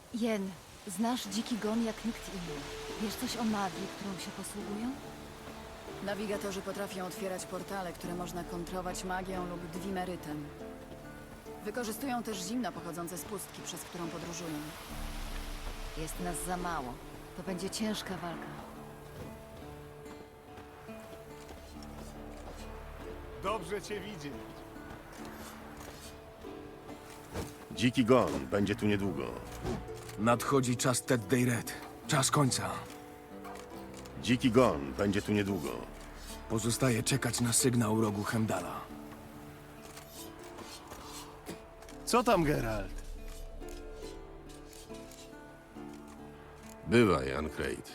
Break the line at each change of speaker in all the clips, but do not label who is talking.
Jen, znasz dziki gon jak nikt inny. Wiesz coś o magii, którą się posługują?
Nawigatorzy potrafią otwierać portale, które można kontrować magią lub dwimerytem. Wykorzystują też zimno pochodzące z pustki, przez którą podróżują.
Jest nas za mało. To będzie ciężka walka.
Dobrze cię widzieć.
Dziki Gon będzie tu niedługo.
Nadchodzi czas Ted Dayred. Czas końca.
Dziki Gon będzie tu niedługo.
Pozostaje czekać na sygnał rogu Hemdala.
Co tam, Geralt?
Bywaj, Ancrate.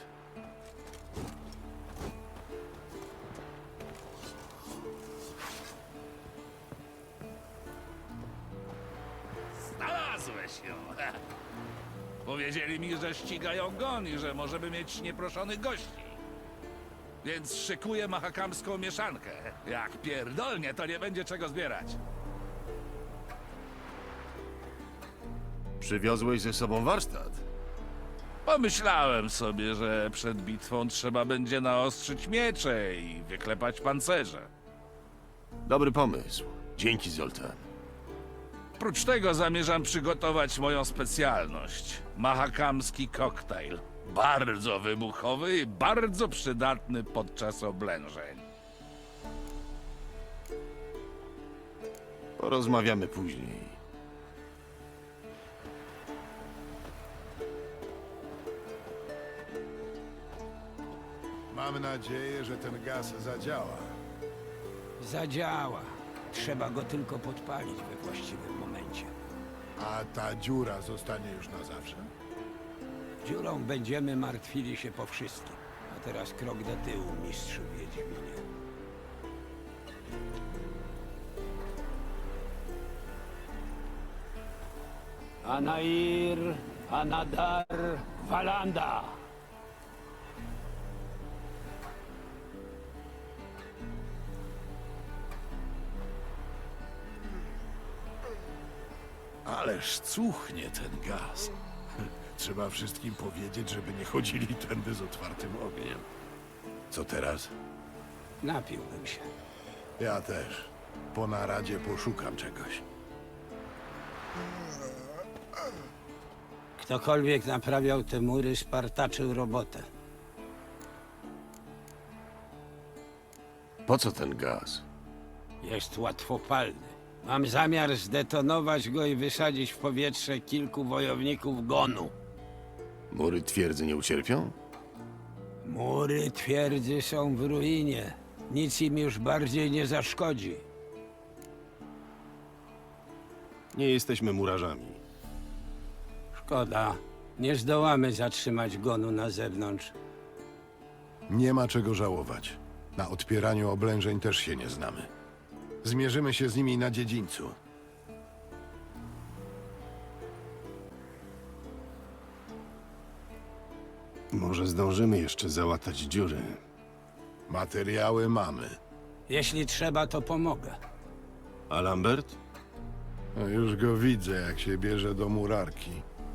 Znalazłeś ją. Powiedzieli mi, że ścigają gon i że możemy mieć nieproszonych gości. Więc szykuję mahakamską mieszankę. Jak pierdolnie, to nie będzie czego zbierać.
Przywiozłeś ze sobą warsztat.
Pomyślałem sobie, że przed bitwą trzeba będzie naostrzyć miecze i wyklepać pancerze.
Dobry pomysł. Dzięki, Zoltan.
Prócz tego zamierzam przygotować moją specjalność. Mahakamski koktajl. Bardzo wybuchowy i bardzo przydatny podczas oblężeń.
Porozmawiamy później.
Mam nadzieję, że ten gaz zadziała.
Zadziała. Trzeba go tylko podpalić we właściwym momencie.
A ta dziura zostanie już na zawsze?
Dziurą będziemy martwili się po wszystkim. A teraz krok do tyłu, mistrzu Wiedźminie. Anair, Anadar, Valanda.
Ależ cuchnie ten gaz. Trzeba wszystkim powiedzieć, żeby nie chodzili tędy z otwartym ogniem. Co teraz?
Napiłbym się.
Ja też. Po naradzie poszukam czegoś.
Ktokolwiek naprawiał te mury, spartaczył robotę.
Po co ten gaz?
Jest łatwopalny. Mam zamiar zdetonować go i wysadzić w powietrze kilku wojowników Gonu.
Mury twierdzy nie ucierpią?
Mury twierdzy są w ruinie. Nic im już bardziej nie zaszkodzi.
Nie jesteśmy murarzami.
Szkoda. Nie zdołamy zatrzymać Gonu na zewnątrz.
Nie ma czego żałować. Na odpieraniu oblężeń też się nie znamy. Zmierzymy się z nimi na dziedzińcu.
Może zdążymy jeszcze załatać dziury.
Materiały mamy.
Jeśli trzeba, to pomogę.
A Lambert?
No już go widzę, jak się bierze do murarki.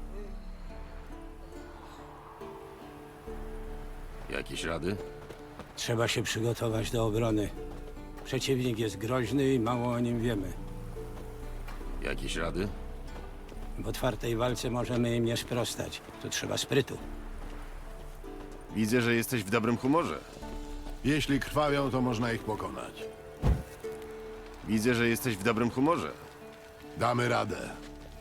Jakieś rady?
Trzeba się przygotować do obrony. Przeciwnik jest groźny i mało o nim wiemy.
Jakieś rady?
W otwartej walce możemy im nie sprostać. Tu trzeba sprytu.
Widzę, że jesteś w dobrym humorze.
Jeśli krwawią, to można ich pokonać.
Widzę, że jesteś w dobrym humorze.
Damy radę.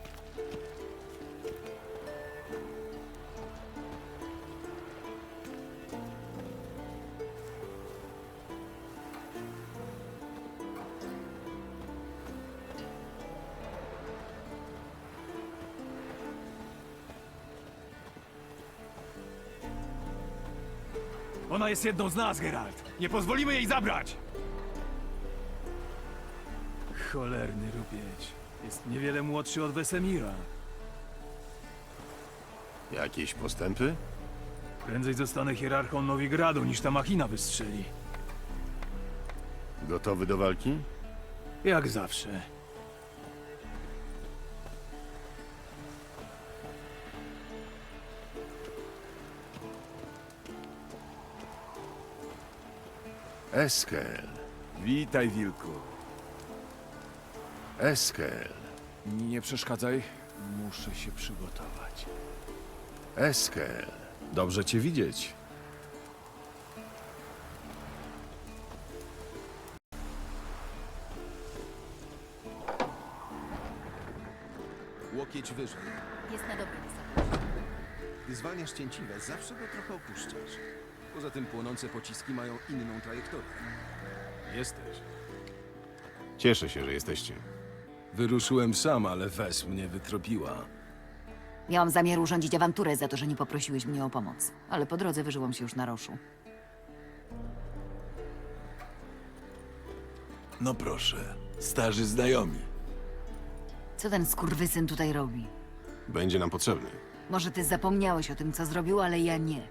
Ona jest jedną z nas, Geralt. Nie pozwolimy jej zabrać! Cholerny rupieć. Jest niewiele młodszy od Wesemira.
Jakieś postępy?
Prędzej zostanę hierarchą Nowigradu, niż ta machina wystrzeli.
Gotowy do walki?
Jak zawsze.
Eskel.
Witaj, wilku.
Eskel.
Nie przeszkadzaj. Muszę się przygotować.
Eskel.
Dobrze cię widzieć.
Łokieć wyżej.
Jest na dobrym wysokości.
Gdy zwalniasz cięciwe, zawsze go trochę opuszczasz. Poza tym płonące pociski mają inną trajektorię.
Jesteś.
Cieszę się, że jesteście.
Wyruszyłem sam, ale Wes mnie wytropiła.
Miałam zamiar urządzić awanturę za to, że nie poprosiłeś mnie o pomoc. Ale po drodze wyżyłam się już na roszu.
No proszę, starzy znajomi.
Co ten skurwysyn tutaj robi?
Będzie nam potrzebny.
Może ty zapomniałeś o tym, co zrobił, ale ja nie.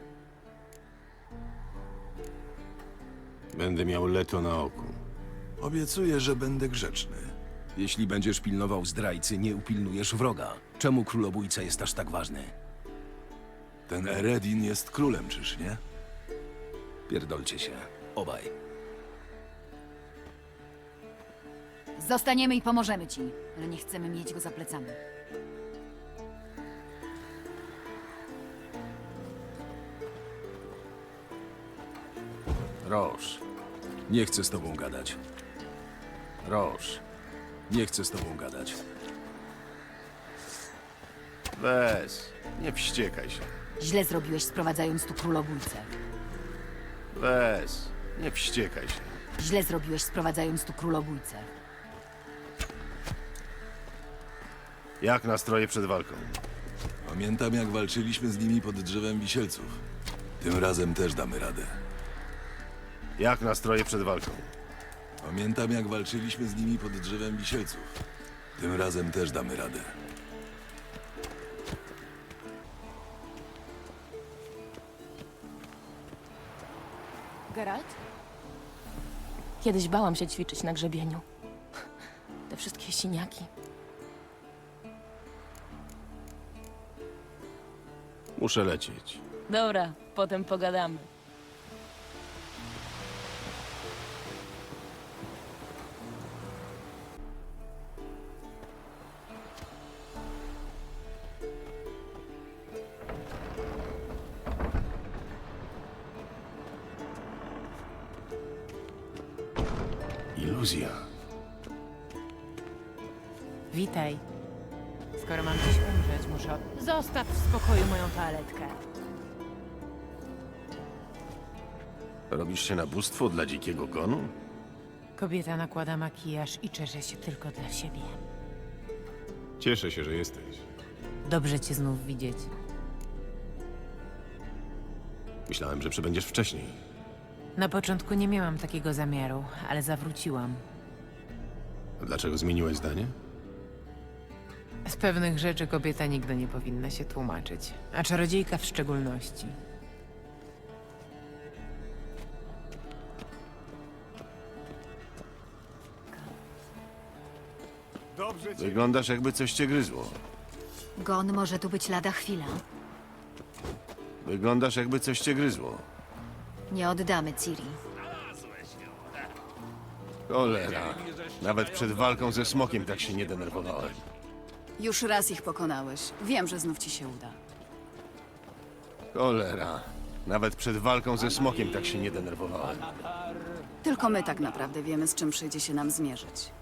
Będę miał Leto na oku.
Obiecuję, że będę grzeczny. Jeśli będziesz pilnował zdrajcy, nie upilnujesz wroga. Czemu królobójca jest aż tak ważny? Ten Eredin jest królem, czyż nie? Pierdolcie się. Obaj.
Zostaniemy i pomożemy ci, ale nie chcemy mieć go za plecami.
Roż. Nie chcę z tobą gadać. Roż. Nie chcę z tobą gadać.
Wes, nie wściekaj się.
Źle zrobiłeś, sprowadzając tu królobójcę.
Wes, nie wściekaj się.
Źle zrobiłeś, sprowadzając tu królobójcę.
Jak nastroje przed walką?
Pamiętam, jak walczyliśmy z nimi pod drzewem wisielców. Tym razem też damy radę.
Jak nastroje przed walką?
Pamiętam, jak walczyliśmy z nimi pod drzewem wisielców. Tym razem też damy radę.
Geralt?
Kiedyś bałam się ćwiczyć na grzebieniu. Te wszystkie siniaki.
Muszę lecieć.
Dobra, potem pogadamy.
Iluzja.
Witaj. Skoro mam dziś umrzeć, muszę... Zostaw w spokoju moją toaletkę.
Robisz się na bóstwo dla dzikiego gonu?
Kobieta nakłada makijaż i czesze się tylko dla siebie.
Cieszę się, że jesteś.
Dobrze cię znów widzieć.
Myślałem, że przybędziesz wcześniej.
Na początku nie miałam takiego zamiaru, ale zawróciłam.
A dlaczego zmieniłeś zdanie?
Z pewnych rzeczy kobieta nigdy nie powinna się tłumaczyć, a czarodziejka w szczególności.
Wyglądasz, jakby coś cię gryzło.
Gon może tu być lada chwila.
Wyglądasz, jakby coś cię gryzło.
Nie oddamy Ciri.
Cholera. Nawet przed walką ze smokiem tak się nie denerwowałem.
Już raz ich pokonałeś. Wiem, że znów ci się uda.
Cholera. Nawet przed walką ze smokiem tak się nie denerwowałem.
Tylko my tak naprawdę wiemy, z czym przyjdzie się nam zmierzyć.